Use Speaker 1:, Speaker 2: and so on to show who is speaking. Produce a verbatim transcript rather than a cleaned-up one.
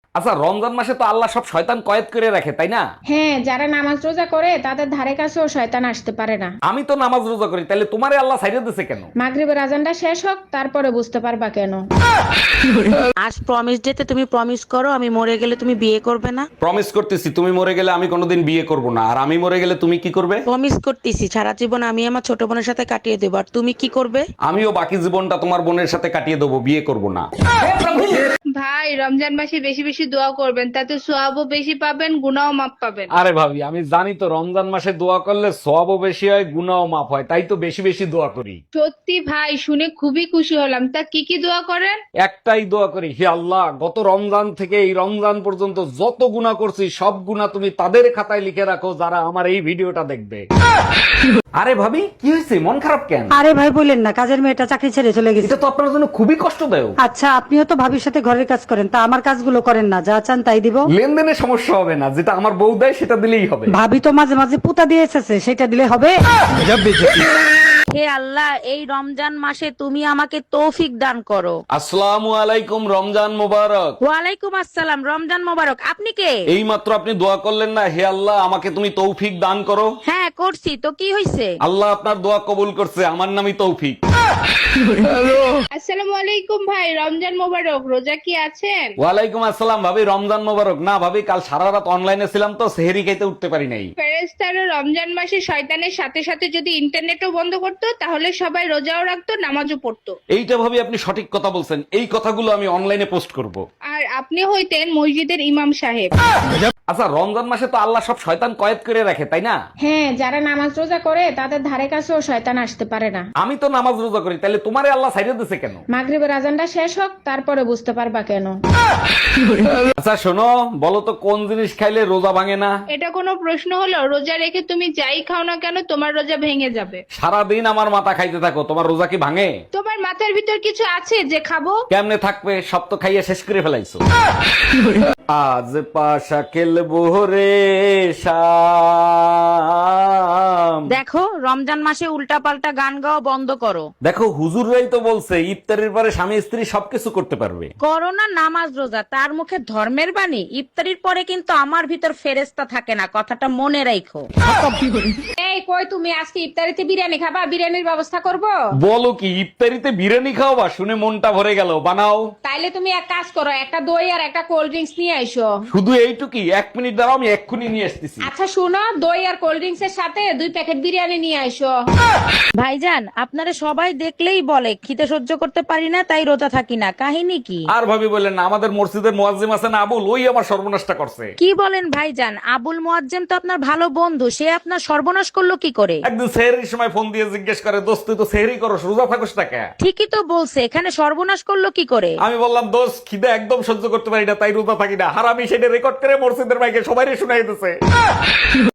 Speaker 1: আচ্ছা, রমজান মাসে তো আল্লাহ সব শয়তান কয়েদ করে রাখে, তাই না?
Speaker 2: হ্যাঁ, যারা নামাজ রোজা করে তাদের ধারে কাছেও শয়তান আসতে পারে না।
Speaker 1: আমি তো নামাজ রোজা করি, তাহলে তোমারে আল্লাহ ছাইড়া দিছে কেন?
Speaker 2: মাগরিবের আজানটা শেষ হোক, তারপরে বুঝতে পারবা কেন।
Speaker 3: আজ প্রমিস ডেতে তুমি প্রমিস করো আমি মরে গেলে তুমি বিয়ে করবে না।
Speaker 1: প্রমিস করতেছি, তুমি মরে গেলে আমি কোনোদিন বিয়ে করব না, আর আমি মরে গেলে তুমি কি করবে?
Speaker 3: প্রমিস করতেছি সারা জীবন আমি আমার ছোট বোনের সাথে কাটিয়ে দেবো, আর তুমি কি করবে?
Speaker 1: আমিও বাকি জীবনটা তোমার বোনের সাথে কাটিয়ে দেবো, বিয়ে করব না।
Speaker 4: ভাই, রমজান মাসে বেশি বেশি দোয়া করবেন, তাতে সোয়াবও বেশি পাবেন, গুনাও মাপ পাবেন।
Speaker 1: আরে ভাবি, আমি জানি তো রমজান মাসে দোয়া করলে সওয়াবও বেশি হয়, গুনাহও মাফ হয়, তাই তো বেশি বেশি দোয়া করি।
Speaker 4: সত্যি ভাই, শুনে খুবই খুশি হলাম। তা কি কি দোয়া করেন?
Speaker 1: একটাই দোয়া করি, হে আল্লাহ, গত রমজান থেকে এই রমজান পর্যন্ত যত গুনাহ করছি সব গুনাহ তুমি তাদের খাতায় লিখে রাখো যারা আমার এই ভিডিওটা দেখবে। আরে ভাবি, কি হয়েছে, মন খারাপ কেন?
Speaker 5: আরে ভাই বললেন না, কাজের মেয়েটা চাকরি ছেড়ে চলে গেছে।
Speaker 1: এটা তো আপনার জন্য খুবই কষ্টদায়ক।
Speaker 5: আচ্ছা, আপনিও তো ভাবির সাথে ঘরের কাজ করেন, তা আমার কাজগুলো করেন না, যা চান তাই দিব।
Speaker 1: লেনদেনে সমস্যা হবে না, যেটা আমার বউ দেয় সেটা দিলেই হবে।
Speaker 5: ভাবি তো মাঝে মাঝে পুতা দিয়ে এসেছে, সেটা দিলে হবে।
Speaker 3: হে আল্লাহ, এই রমজান মাসে তুমি আমাকে তৌফিক দান করো।
Speaker 1: আসসালামু আলাইকুম, রমজান মোবারক।
Speaker 3: ওয়ালাইকুম আসসালাম, রমজান মোবারক। আপনি কে?
Speaker 1: এই মাত্র আপনি দোয়া করলেন না, হে আল্লাহ আমাকে তুমি তৌফিক দান করো।
Speaker 3: হ্যাঁ করছি তো, কি হয়েছে?
Speaker 1: আল্লাহ আপনার দোয়া কবুল করছে, আমার নামই তৌফিক।
Speaker 4: আসসালামু আলাইকুম ভাই, রমজান মোবারক। রোজা কি আছেন?
Speaker 1: ওয়ালাইকুম আসসালাম ভাবি, রমজান মোবারক। না ভাবি, কাল সারা রাত অনলাইনে ছিলাম তো সেহরি খাইতে উঠতে পারি নাই।
Speaker 4: ফেরেশতারা রমজান মাসে শয়তানের সাথে সাথে যদি ইন্টারনেটও বন্ধ করতো, তাহলে সবাই রোজাও রাখতো, নামাজও পড়তো।
Speaker 1: এইটা ভাবি আপনি সঠিক কথা বলছেন, এই কথাগুলো আমি অনলাইনে পোস্ট করব।
Speaker 4: আর আপনি হইতেন মসজিদের ইমাম সাহেব।
Speaker 1: আচ্ছা, রমজান মাসে তো আল্লাহ সব শয়তান কয়েদ করে রাখে, তাই না?
Speaker 2: হ্যাঁ, যারা নামাজ রোজা করে তাদের ধারে কাছেও শয়তান আসতে পারে না।
Speaker 1: আমি তো নামাজ রোজা করি, তাহলে তোমারে আল্লাহ ছাইড়া দিছে কেন?
Speaker 2: মাগরিবের আজানটা শেষ হোক, তারপরে বুঝতে পারবা কেন।
Speaker 1: আচ্ছা শোনো, বলো তো কোন জিনিস খাইলে রোজা ভাঙে না?
Speaker 4: এটা কোনো প্রশ্ন হলো? রোজা রেখে তুমি যাই খাও না কেন, তোমার রোজা ভেঙে যাবে।
Speaker 1: সারাদিন আমার মাথা খাইতে থাকো, তোমার রোজা কি ভাঙে?
Speaker 4: তোমার মাথার ভিতর কিছু আছে যে খাবো?
Speaker 1: কেমনে থাকবে, সব তো খাইয়ে শেষ করে ফেলাইছো। আজ পাশা খেলবো রে শাম।
Speaker 3: দেখো, রমজান মাসে উল্টা পাল্টা গান গাওয়া বন্ধ করো।
Speaker 1: দেখো, হুজুররাই তো বলছে ইফতারের পরে স্বামী স্ত্রী সবকিছু করতে পারবে।
Speaker 3: করোনা নামাজ রোজা, তার মুখে ধর্মের বাণী। ইফতারির পরে কিন্তু আমার ভিতর ফেরেস্তা থাকে না, কথাটা মনে রাখো।
Speaker 2: এই কই, তুমি আজকে ইফতারিতে বিরিয়ানি খাবা? বিরিয়ানির ব্যবস্থা করব।
Speaker 1: বলো কি, ইফতারিতে বিরিয়ানি খাওয়াবা? শুনে মনটা ভরে গেল, বানাও।
Speaker 2: তাইলে তুমি এক কাজ করো, একটা দই আর একটা কোল্ড ড্রিঙ্কস নিয়ে আইসো।
Speaker 1: শুধু এইটুকি? এক মিনিট দাঁড়াও, আমি এক্ষুনি নিয়ে আসতেছি।
Speaker 2: আচ্ছা শুনো, দই আর কোল্ড ড্রিঙ্কস এর সাথে দুই প্যাকেট বিরিয়ানি নিয়ে আইসো।
Speaker 3: ভাইজান, আপনারা সবাই দেখলেই বলে খিদে সহ্য করতে পারি না, তাই রোজা থাকি না। কাহিনী কি?
Speaker 1: আর ভাবি বললেন না, আমাদের মসজিদের মুয়াজ্জিম আছেন আবুল, ওই আমার সর্বনাশটা করছে।
Speaker 3: কি বলেন ভাইজান? আবুল মুয়াজ্জেম তো আপনার ভালো বন্ধু, সে আপনার সর্বনাশ করলো কি করে?
Speaker 1: একদিন সেহরির সময় ফোন দিয়ে জিজ্ঞেস করে, দোস্ত তুই তো সেহরি করো, রোজা থাকোস না কেন?
Speaker 3: ঠিকই তো বলছে, এখানে সর্বনাশ করলো কি করে?
Speaker 1: আমি বললাম, দোস্ত খিদে একদম সহ্য করতে পারি না, তাই রোজা থাকি না। হারামি সেটা রেকর্ড করে মসজিদের মাইকে সবাই শুনাই দিতেছে।